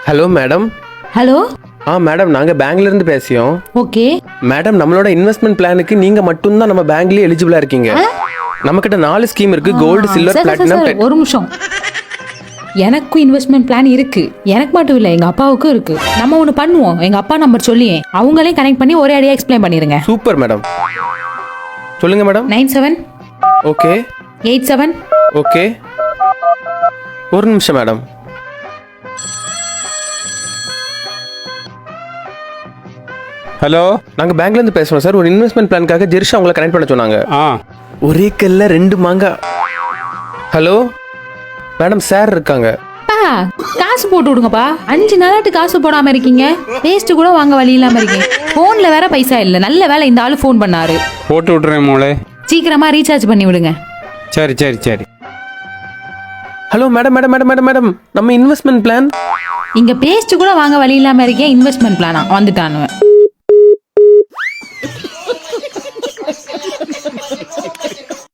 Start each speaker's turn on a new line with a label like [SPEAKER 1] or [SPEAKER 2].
[SPEAKER 1] Hello madam.
[SPEAKER 2] Hello.
[SPEAKER 1] Madam நாங்கள் பேங்க்ல இருந்து பேசியோம்.
[SPEAKER 2] ஓகே
[SPEAKER 1] மேடம் நம்மளோட இன்வெஸ்ட்மெண்ட் பிளானுக்கு நீங்க மட்டும்தான் நம்ம பேங்க்லயே எலிஜிபிளா இருக்கீங்க. நம்ம கிட்ட 4 ஸ்கீம் இருக்கு, கோல்டு, சில்வர், பிளாட்டினம்.
[SPEAKER 2] ஒரு நிமிஷம், எனக்கும் இன்வெஸ்ட்மெண்ட் பிளான் இருக்கு. எனக்கு மட்டும் இல்ல, எங்க அப்பாவுக்கும் இருக்கு. நம்ம ஒண்ணு பண்ணுவோம், எங்க அப்பா நம்பர் சொல்லியே அவங்களே கனெக்ட் பண்ணி ஒரே அடியா எக்ஸ்பிளைன் பண்ணிருங்க.
[SPEAKER 1] Super madam. சொல்லுங்க மேடம்.
[SPEAKER 2] 97
[SPEAKER 1] ஓகே
[SPEAKER 2] 87.
[SPEAKER 1] ஓகே, ஒரு நிமிஷம் மேடம்.
[SPEAKER 3] ஹலோ,
[SPEAKER 1] நாங்க பேங்க்ல இருந்து பேசுறோம் சார். ஒரு இன்வெஸ்ட்மெண்ட் பிளானுக்காக ஜெர்ஷா உங்களை கனெக்ட் பண்ண சொன்னாங்க. ஒரே கல்ல 2 மாங்காய். ஹலோ மேடம், சார் இருக்காங்க.
[SPEAKER 2] காசு போட்டு விடுங்கப்பா. 5 நாளாட்டு காசு போடாம இருக்கீங்க. வேஸ்ட் கூட வாங்க வழி இல்லாம இருக்கீங்க. போன்ல வேற பைசா இல்ல. நல்ல வேலை இந்த ஆளு போன் பண்ணாரு.
[SPEAKER 3] போட்டு விட்டுறேன் மோளே.
[SPEAKER 2] சீக்கிரமா ரீசார்ஜ் பண்ணி விடுங்க.
[SPEAKER 3] சரி சரி சரி.
[SPEAKER 1] Hello madam madam madam madam madam, நம்ம இன்வெஸ்ட்மெண்ட் பிளான்
[SPEAKER 2] இங்க பேஸ்ட் கூட வாங்க வழி இல்லாம இருக்கேன். இன்வெஸ்ட்மெண்ட் பிளானா வந்துட்டானுவன்.